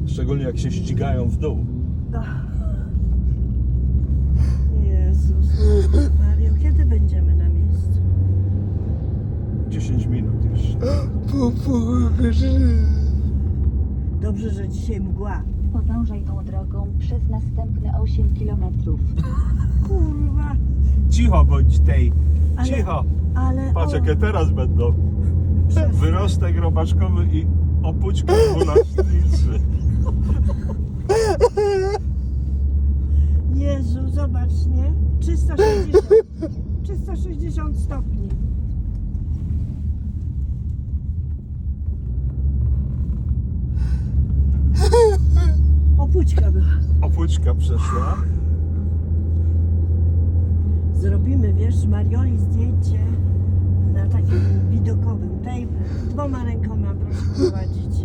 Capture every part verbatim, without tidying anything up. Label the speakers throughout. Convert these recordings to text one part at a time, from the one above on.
Speaker 1: Szczególnie jak się ścigają w dół.
Speaker 2: Jezus Mario, kiedy będziemy na miejscu?
Speaker 1: dziesięć minut jeszcze.
Speaker 2: Dobrze, że dzisiaj mgła.
Speaker 3: Podążaj tą drogą przez następne osiem kilometrów.
Speaker 2: Kurwa.
Speaker 1: Cicho bądź tej.
Speaker 2: Ale-
Speaker 1: Cicho.
Speaker 2: Ale
Speaker 1: Patrz
Speaker 2: o,
Speaker 1: jakie teraz będą.
Speaker 2: Przestań.
Speaker 1: Wyrostek robaczkowy i opućka dwunastnicy.
Speaker 2: Jezu, zobacz, nie? trzysta sześćdziesiąt. trzysta sześćdziesiąt stopni. Opućka była.
Speaker 1: Opućka przeszła.
Speaker 2: Zrobimy, wiesz, Marioli zdjęcie na takim widokowym. Tej dwoma rękoma proszę prowadzić.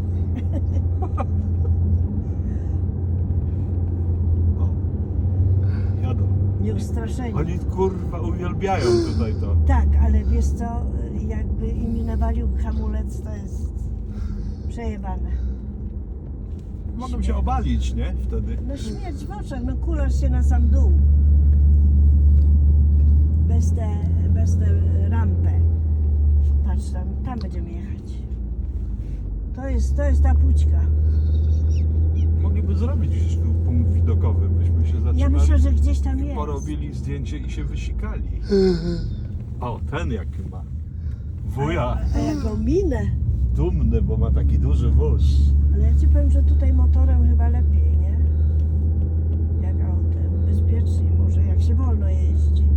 Speaker 1: O, jadą.
Speaker 2: Nieustraszeni.
Speaker 1: Oni kurwa uwielbiają tutaj to.
Speaker 2: Tak, ale wiesz co, jakby im nawalił hamulec, to jest przejebane.
Speaker 1: Mogą się obalić, nie? Wtedy.
Speaker 2: No śmierć w oczach, no kulasz się na sam dół. Bez te, bez te rampę. Patrz tam, tam będziemy jechać. To jest, to jest ta pućka.
Speaker 1: Mogliby zrobić gdzieś tu punkt widokowy, byśmy się zatrzymali.
Speaker 2: Ja myślę, że gdzieś tam
Speaker 1: i
Speaker 2: jest.
Speaker 1: porobili zdjęcie i się wysikali. O, ten jaki ma. Wuja.
Speaker 2: A jaką minę.
Speaker 1: Dumny, bo ma taki duży wóz.
Speaker 2: Ale ja ci powiem, że tutaj motorem chyba lepiej, nie? Jak autem. Bezpieczniej może, jak się wolno jeździ.